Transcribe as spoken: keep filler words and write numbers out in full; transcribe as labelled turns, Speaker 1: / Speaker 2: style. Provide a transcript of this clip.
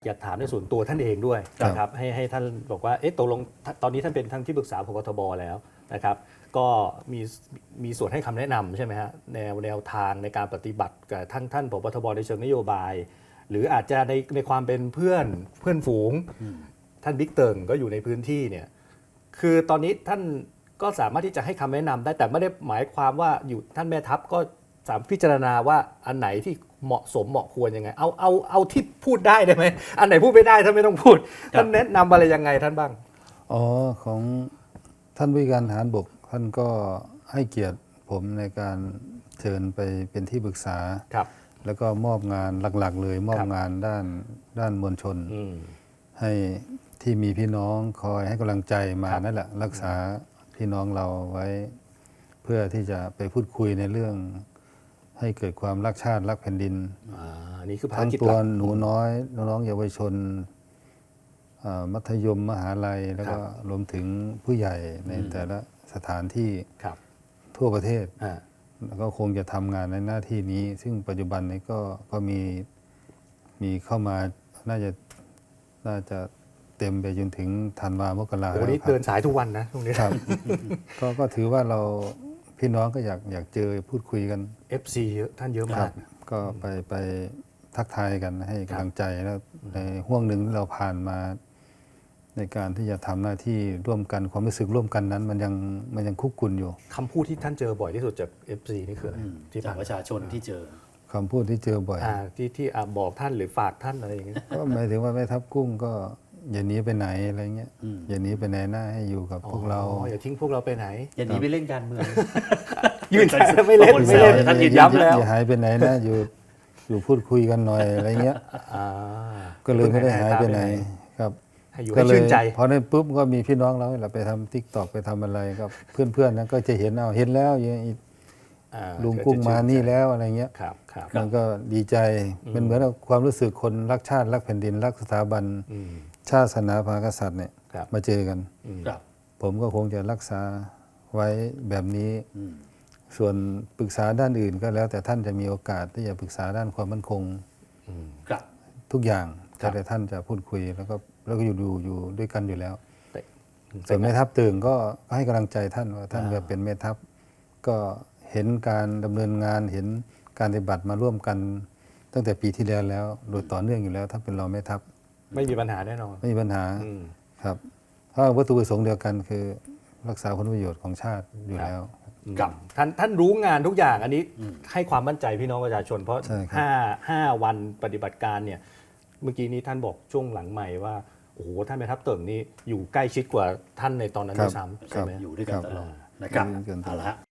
Speaker 1: อยากถามในส่วนตัวท่านเองด้วยนะครับให้ให้ท่านบอกว่าเอ๊ะตกลงตอนนี้ท่านเป็นท่านที่ปรึกษาพบทบแล้วนะครับก็มีมีส่วนให้คำแนะนำใช่ไหมฮะแนวแนวทางในการปฏิบัติกับท่านท่านพบทบในเชิงนโยบาย หรืออาจจะในในความเป็นเพื่อนเพื่อนฝูงท่านบิ๊กเติงก็อยู่ในพื้นที่เนี่ยคือตอนนี้ท่านก็สามารถที่จะให้คำแนะนำได้แต่ไม่ได้หมายความว่าอยู่ท่านแม่ทัพก็สามารถพิจารณาว่าอันไหนที่เหมาะสมเหมาะควรยังไงเอาเอาเอาที่พูดได้ได้ไหมอันไหนพูดไม่ได้ท่านไม่ต้องพูดท่านแนะนำอะไรยังไงท่านบ้าง
Speaker 2: อ๋อของท่านผู้การทหารบกท่านก็ให้เกียรติผมในการเชิญไปเป็นที่ปรึกษา
Speaker 1: ครับ
Speaker 2: แล้วก็มอบงานหลักๆเลยมอบงานด้านด้านมวลชนให้ที่มีพี่น้องคอยให้กำลังใจมานั่นแหละรักษาพี่น้องเราไว้เพื่อที่จะไปพูดคุยในเรื่องให้เกิดความรักชาติรักแผ่นดิน
Speaker 1: นี่คือภาร
Speaker 2: ทั้ง
Speaker 1: กิจ
Speaker 2: ตัวหนูน้อยน้องเยาวชนมัธยมมหาลัยแล้วก็รวมถึงผู้ใหญ่ในแต่ละสถานที่ทั่วประเทศแล้วก็คงจะทำงานในหน้าที่นี้ซึ่งปัจจุบันนี้ก็ก็มีมีเข้ามาน่าจะน่าจะเต็มไปจนถึงธันวามกราคม
Speaker 1: วันนี้เดินสายทุกวันนะตรงนี้
Speaker 2: ครับก็ก็ถือว่าเราพี่น้องก็อยากอยากเจอพูดคุยกัน
Speaker 1: เอฟ ซี เยอะท่านเยอะมาก
Speaker 2: ก็ไปไปทักทายกันให้กำลังใจแล้วในห่วงหนึ่งเราผ่านมาในการที่จะทำหน้าที่ร่วมกันความรู้สึกร่วมกันนั้นมันยังมันยังคุกคุนอยู่
Speaker 1: คำพูดที่ท่านเจอบ่อยที่สุดจาก เอฟ ซี นี่คืออะไร
Speaker 3: ที่จากประชาชนที่เจอ
Speaker 2: คำพูดที่เจอบ่อย
Speaker 1: ที่ที่บอกท่านหรือฝากท่านอะไรอย่างเงี้ย
Speaker 2: ก็หมายถึงว่าแม่ทัพกุ้งก็อย่าหนีไปไหนอะไรเงี้ยอย่าหนีไปไหนหน้าให้อยู่กับพวกเรา
Speaker 1: อย่าทิ้งพวกเราไปไหน
Speaker 3: อย่าหนีไปเล่นการเมือง
Speaker 1: ยืนไม่เล่นไม่เล่นท่านยืนย้ำแล้ว
Speaker 2: อย่าหายไปไหนนะอยู่อยู่พูดคุยกันหน่อยอะไรเงี้ยก็เลยไม่ได้หายไปไหนครับ
Speaker 1: ก็เลย
Speaker 2: พอนั้นปุ๊บก็มีพี่น้องเราเราไปทำทิกตอกไปทำอะไรกับเพื่อนๆนั้นก็จะเห็นเอาเห็นแล้วลุงกุ้งมานี่แล้วอะไรเงี้ยมันก็ดีใจมันเหมือนความรู้สึกคนรักชาติรักแผ่นดินรักสถาบันชาติศาสนาพระมหากษัตริย์เนี่ยมาเจอกันผมก็คงจะรักษาไว้แบบนี้ส่วนปรึกษาด้านอื่นก็แล้วแต่ท่านจะมีโอกาสที่จะปรึกษาด้านความมั่นคงทุกอย่างแต่ท่านจะพูดคุยแล้วก็แล้วก็อยู่อยู่อยู่ด้วยกันอยู่แล้วส่วนแม่ทัพตึงก็ให้กำลังใจท่านว่าท่านก็เป็นแม่ทัพก็เห็นการดำเนินงานเห็นการปฏิบัติมาร่วมกันตั้งแต่ปีที่แล้วแล้วโดยต่อเนื่องอยู่แล้วถ้าเป็นรองแม่ทัพ
Speaker 1: ไม่มีปัญหาแน่นอน
Speaker 2: ไม่มีปัญหาครับเพราะวัตถุประสงค์เดียวกันคือรักษาผลประโยชน์ของชาติอยู่แล้ว
Speaker 1: กับท่านท่านรู้งานทุกอย่างอันนี้ให้ความมั่นใจพี่น้องประชาชนเพราะห้าห้าวันปฏิบัติการเนี่ยเมื่อกี้นี้ท่านบอกช่วงหลังใหม่ว่าโอ้โหท่านแม่ทัพเติ่งนี่อยู่ใกล้ชิดกว่าท่านในตอนนั้นด้วยซ้ำใช่ไหม
Speaker 3: อยู่ด้วยกันตลอดนะครับเอาละ